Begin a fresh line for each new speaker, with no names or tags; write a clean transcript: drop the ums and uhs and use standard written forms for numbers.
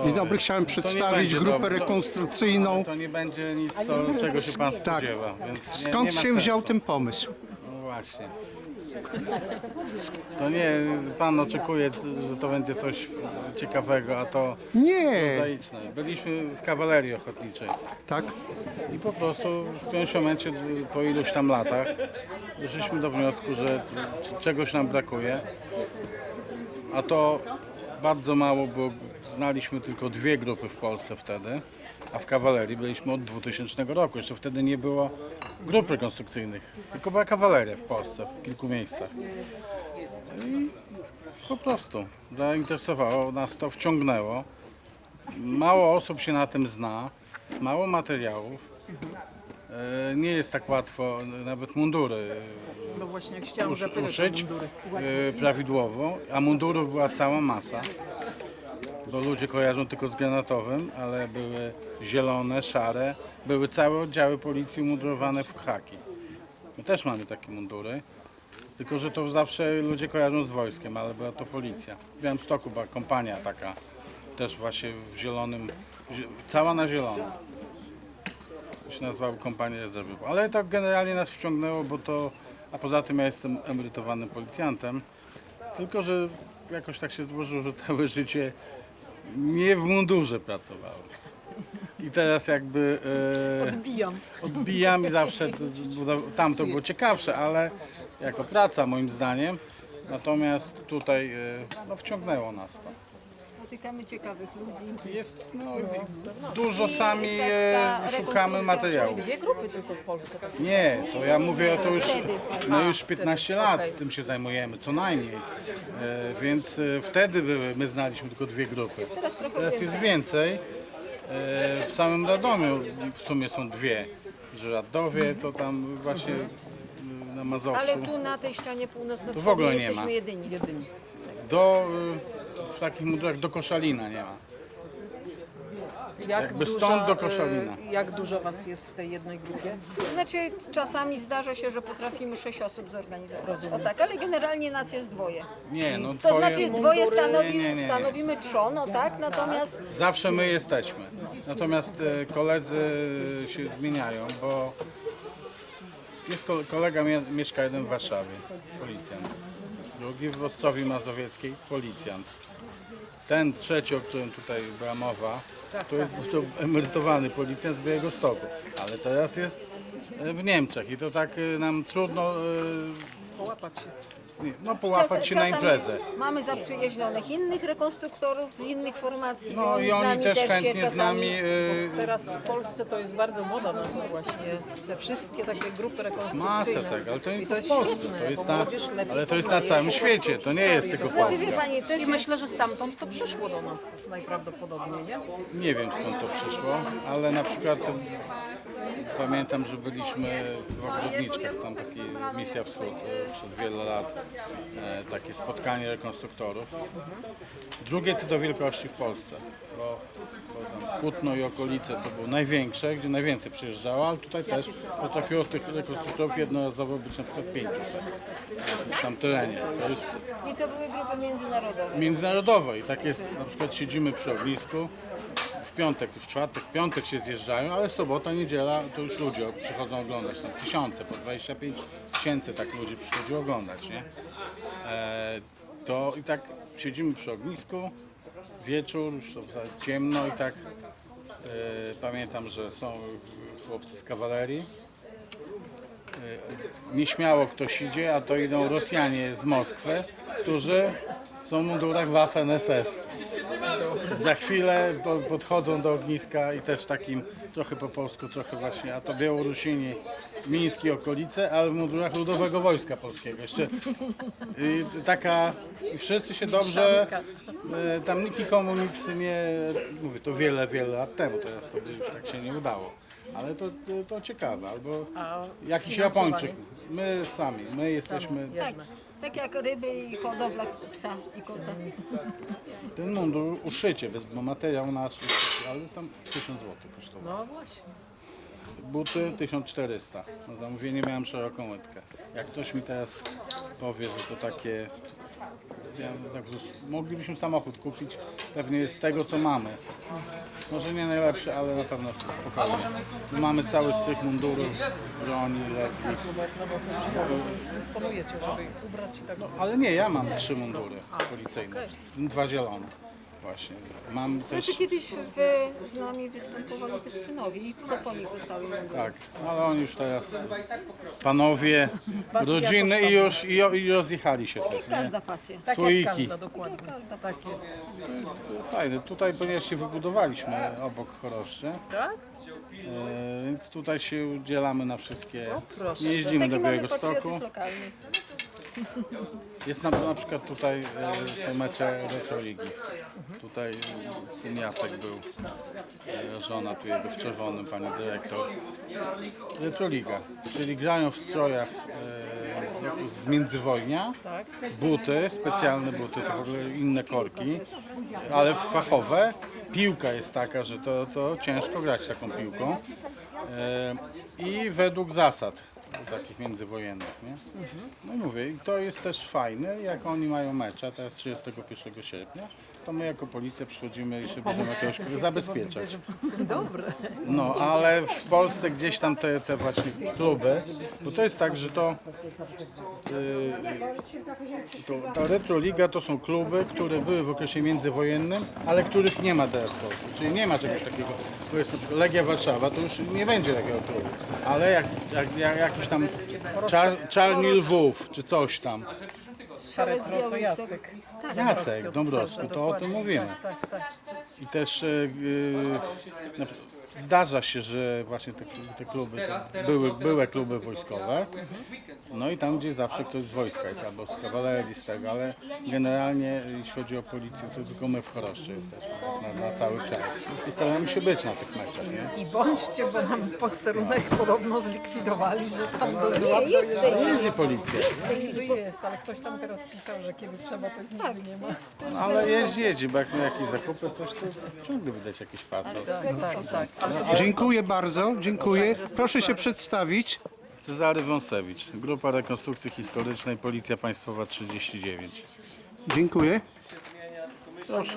Dzień dobry, chciałem przedstawić
będzie
grupę
dobre.
rekonstrukcyjną.
To nie będzie nic, czego się pan spodziewa. Więc nie
Skąd
ma
się
sensu.
wziął ten pomysł?
No właśnie. To nie, pan oczekuje, że to będzie coś ciekawego, a to
Nie,
prozaiczne. Byliśmy w kawalerii ochotniczej
tak?
i po prostu w którymś momencie, po iluś tam latach, doszliśmy do wniosku, że czegoś nam brakuje, a to bardzo mało, bo znaliśmy tylko dwie grupy w Polsce wtedy, a w kawalerii byliśmy od 2000 roku. Jeszcze wtedy nie było grup rekonstrukcyjnych, tylko była kawaleria w Polsce, w kilku miejscach. I po prostu zainteresowało nas to, wciągnęło. Mało osób się na tym zna, jest mało materiałów. Nie jest tak łatwo nawet mundury
No właśnie, jak chciałam zapytać o
uszyć
mundury.
prawidłowo, a mundurów była cała masa. Bo ludzie kojarzą tylko z granatowym, ale były zielone, szare, były całe oddziały policji umundurowane w khaki. My też mamy takie mundury, tylko że to zawsze ludzie kojarzą z wojskiem, ale była to policja. W Białymstoku była kompania taka, też właśnie w zielonym, cała na zielono. To się nazywało kompania rezerwy. Ale to generalnie nas wciągnęło, bo to, a poza tym ja jestem emerytowanym policjantem, tylko że jakoś tak się złożyło, że całe życie nie w mundurze pracowałem. I teraz jakby odbijam i zawsze tam to było ciekawsze, ale jako praca moim zdaniem. Natomiast tutaj no, wciągnęło nas to.
Spotykamy ciekawych ludzi.
Jest dużo sami
ta
szukamy materiałów.
Dwie grupy tylko w Polsce.
Nie, to ja mówię, to już, no już 15 lat tym się zajmujemy, co najmniej. Więc wtedy my znaliśmy tylko dwie grupy. Teraz jest więcej. W samym Radomiu w sumie są dwie. Że Radowie to tam właśnie na Mazowszu.
Ale tu na tej ścianie
Tu w
północno-wschodniej
ogóle nie
jesteśmy
ma.
jedyni.
W takich mundurach do Koszalina nie ma.
Jak
Jakby stąd do Koszalina.
Jak dużo was jest w tej jednej grupie?
Znaczy czasami zdarza się, że potrafimy 6 osób zorganizować. O tak, ale generalnie nas jest dwoje.
Nie, no
To znaczy dwoje
Nie.
stanowimy trzono, tak? Natomiast
Zawsze my jesteśmy. Natomiast koledzy się zmieniają, bo jest kolega mieszka jeden w Warszawie, policjant. Drugi w Ostrowi Mazowieckiej, policjant. Ten trzeci, o którym tutaj była mowa, to jest to emerytowany policjant z Białegostoku. Ale teraz jest w Niemczech i to tak nam trudno
Połapać się.
połapać się na
czasami
imprezę.
mamy zaprzyjaźnionych innych rekonstruktorów z innych formacji.
No i oni
nami
też
się
chętnie z
czasami-
nami.
Teraz w Polsce to jest bardzo moda na to właśnie, te wszystkie takie grupy rekonstrukcyjne.
Masę tego, ale to nie
I
tylko
jest
w Polsce,
świetne,
to jest
bo
na,
młodzież lepiej
ale to jest na
poznaje
całym
po
świecie,
prostu
to nie
historię
jest tylko
Znaczy,
Polska.
wie pani, też
I
jest,
myślę, że stamtąd to przyszło do nas najprawdopodobniej, nie?
Nie wiem skąd to przyszło, ale na przykład pamiętam, że byliśmy w Ogrodniczkach, tam taki Misja Wschód przez wiele lat, takie spotkanie rekonstruktorów. Drugie co do wielkości w Polsce, bo tam Kutno i okolice to było największe, gdzie najwięcej przyjeżdżało, ale tutaj też potrafiło tych rekonstruktorów jednorazowo być na przykład 500 w jakimś tam terenie. To jest
i to były grupy międzynarodowe.
międzynarodowe i tak jest, na przykład siedzimy przy ognisku, w piątek, w czwartek, w piątek się zjeżdżają, ale sobota, niedziela to już ludzie przychodzą oglądać, tam tysiące, po 25 tysięcy tak ludzi przychodzi oglądać, nie? To i tak siedzimy przy ognisku, wieczór, już to za ciemno i tak pamiętam, że są chłopcy z kawalerii. Nieśmiało ktoś idzie, a to idą Rosjanie z Moskwy, którzy są w mundurach Waffen-SS. Za chwilę podchodzą do ogniska i też takim trochę po polsku, trochę właśnie, a to Białorusini, Mińskie okolice, ale w mundurach Ludowego Wojska Polskiego. Jeszcze i wszyscy się dobrze, tam nikt nikomu nic nie, mówię to wiele lat temu, teraz to by już tak się nie udało. Ale to ciekawe, albo jakiś
finansowanie?
Japończyk, my sami, my jesteśmy,
Tak, tak jak ryby i hodowla psa i kota.
ten mundur uszycie, bo materiał nasz, ale sam 1000 zł kosztował.
No właśnie.
Buty 1400. Na zamówienie miałem szeroką łydkę. Jak ktoś mi teraz powie, że to takie Moglibyśmy samochód kupić pewnie z tego, co mamy. Może nie najlepszy, ale na pewno spokojnie. Mamy cały strych mundurów, broni, lekki.
No bo są już dysponujecie, żeby ich ubrać i tak.
Ale nie, ja mam 3 mundury policyjne, 2 zielone właśnie. Mam też,
Znaczy kiedyś z nami występowali też synowie i to po nich zostały mundury.
tak, ale oni już teraz panowie,
Pasja
rodziny i już i rozjechali się też, nie?
Każda pasja.
Tak
Słoiki.
jak każda, dokładnie. Tak jest.
Fajne, tutaj ponieważ się wybudowaliśmy obok Choroszczy,
Tak?
więc tutaj się udzielamy na wszystkie,
proszę.
nie jeździmy do
Taki mamy
Białegostoku.
patriotyzm lokalny.
Jest na przykład tutaj są mecze Retroligi. Tutaj ten Jacek był, żona tu jego w czerwonym, pani dyrektor. Retroliga, czyli grają w strojach z międzywojnia,
Tak.
buty, specjalne buty, to w ogóle inne korki, ale fachowe. Piłka jest taka, że to ciężko grać taką piłką i według zasad takich międzywojennych, nie? No i mówię, i to jest też fajne, jak oni mają mecze, teraz 31 sierpnia, to my jako policja przychodzimy i się będziemy jakoś zabezpieczać.
Dobre.
No, ale w Polsce gdzieś tam te właśnie kluby, bo to jest tak, że ta Retroliga to są kluby, które były w okresie międzywojennym, ale których nie ma teraz w Polsce. Czyli nie ma czegoś takiego, bo jest na przykład Legia Warszawa, to już nie będzie takiego klubu. Ale jak jakiś tam Czarni Lwów, czy coś tam.
Szare co Jacek.
Jacek Dąbrowski, to o tym mówimy.
Tak, tak.
I też zdarza się, że właśnie te kluby to były kluby wojskowe. No i tam, gdzie zawsze ktoś z wojska jest, albo z kawalerii, z tego, ale generalnie jeśli chodzi o policję, to tylko my w Choroszczy jesteśmy na cały kraj. I staramy się być na tych meczach, nie?
I bądźcie, bo nam posterunek podobno zlikwidowali, że tam do zła
jest
dojeżdża.
Jeździ policja.
Niby jest, ale ktoś tam teraz pisał, że kiedy trzeba, to nigdy nie ma.
No, ale jeździ, bo jak na jakieś zakupy, coś, to ciągle widać jakiś patrol.
Tak. Ale
Dziękuję bardzo, dziękuję. Proszę się przedstawić.
Cezary Wąsewicz, Grupa Rekonstrukcji Historycznej, Policja Państwowa 39.
Dziękuję.
Proszę.